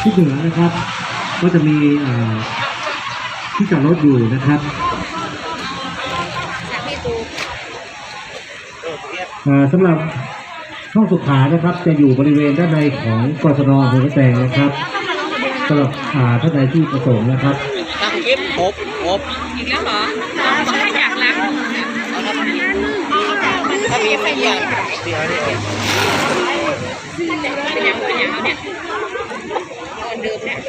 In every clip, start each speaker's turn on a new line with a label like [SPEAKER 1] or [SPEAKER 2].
[SPEAKER 1] ทิศเหนือนะครับก็จะมีที่จอดรถอยู่นะครับสำหรับช่องสุขานะครับจะอยู่บริเวณด้านในของกศน.หัวแตงนะครับสำหรับท่านใดที่ประสงค์นะครับ
[SPEAKER 2] ตั้งคลิปครบอีกแล้วเหรอไม่อยากล้างถ้ามีไม่อยากเป็นยังเนี่ยเดิมเนี่ย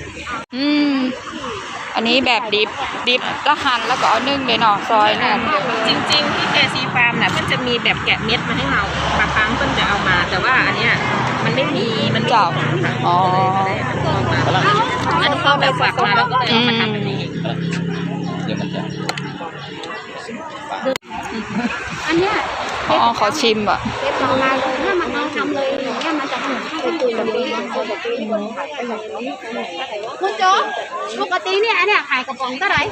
[SPEAKER 3] อันนี้แบบดิบละหั่นแล้วก็เอานึ่งเลยเนาะซอยเนี่ย
[SPEAKER 2] จริงๆที่KCฟาร์มน่ะมันจะมีแบบแกะเม็ดมาให้เราบางครั้งเพิ่นจะเอามาแต่ว่าอันเนี้ยมันไม่มีมัน
[SPEAKER 3] เจ้าอ๋อ
[SPEAKER 2] อันนี้เขาแบบฝากมาแล้วก็เลยเอามาทำแบบนี้
[SPEAKER 4] อันเนี้ย
[SPEAKER 3] ขอชิมอ่ะ
[SPEAKER 4] เก็บเรามาเลยเนี่ยมันทำเลยอย่างเงี้ยมันจะเหมือนให้ตุยแบบนี้คุณโจ๊กปกติเนี่ยอันเนี้ยขายกระป๋องเท่าไหร่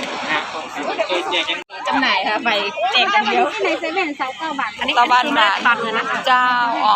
[SPEAKER 2] จำหน่ายค่ะไปแจกกันเดียว
[SPEAKER 4] ในเซเว่น29 บาท
[SPEAKER 2] อันนี้บ้านตันเลยนะ
[SPEAKER 3] เจ้าอ๋อ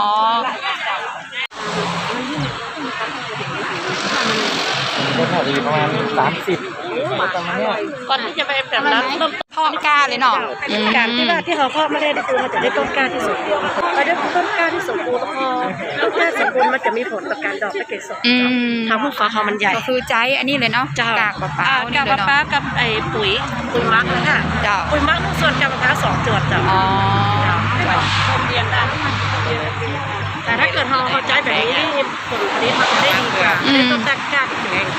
[SPEAKER 1] ก็พอดีประมาณ30ประมาณนี้
[SPEAKER 2] ก่อนที่จะไปแบบนั้นต้น
[SPEAKER 3] ทอดกล้าเลยเนาะ
[SPEAKER 2] การที่เขาเพาะไม่ได้คือมันจะได้ต้นกล้าที่สมบูรณ์พอได้ต้นกล้าที่สมบูรณ์พอต้นกล้าสมบูรณ์มันจะมีผลต่อการดอกและเกสรทำให้ฟ้าเขามันใหญ่
[SPEAKER 3] ก็คือใจอันนี้เลยเนาะกากมะพร้าว
[SPEAKER 2] กากมะพร้าวกับไอ้ปุ๋ยมักนะค่ะปุ๋ยมักส่วนกากมะพร้าว2 จวดจ้ะ
[SPEAKER 3] อ๋อ
[SPEAKER 2] เรียนได้แต่ถ้าเกิดเขาใจแบบนี้ผลผลิตมันจะได้ดีกว่าได้ต้นกล้าที่แข็ง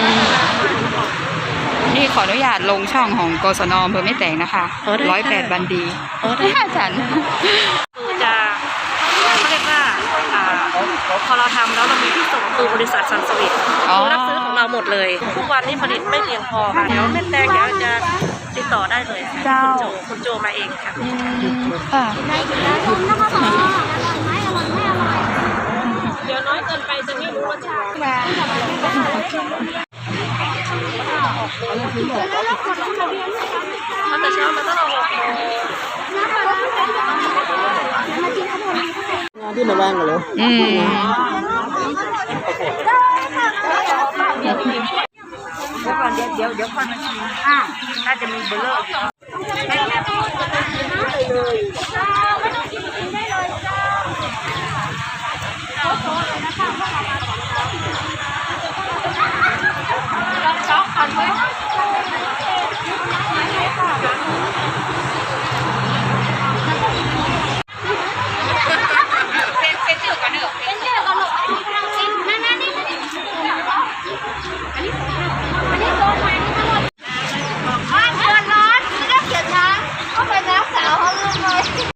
[SPEAKER 3] นี่ขออนุญาตลงช่องของกศน.อำเภอแม่แตงนะคะ108 วันดีฉัน
[SPEAKER 2] จะเขาเรียกว่าพอเราทำแล้วเรามีที่ส่งคือบริษัทซันสวิตรับซื้อของเราหมดเลยทุกวันนี้ผลิตไม่เพียงพอค่ะเดี๋ยวแม่แตงเดี๋ยวจะติดต่อได้เลยคุณโจมาเองค่ะเดี๋ยวน้อยเกินไปจะไม่รู้รสชาติมันจะเช้ามันต้องรองาน
[SPEAKER 1] ที่มาบ้างกันเลย
[SPEAKER 2] เดี๋ยวค่อยมาชิมน่าจะมีเบลเลอร์ช็อกก่อนไหม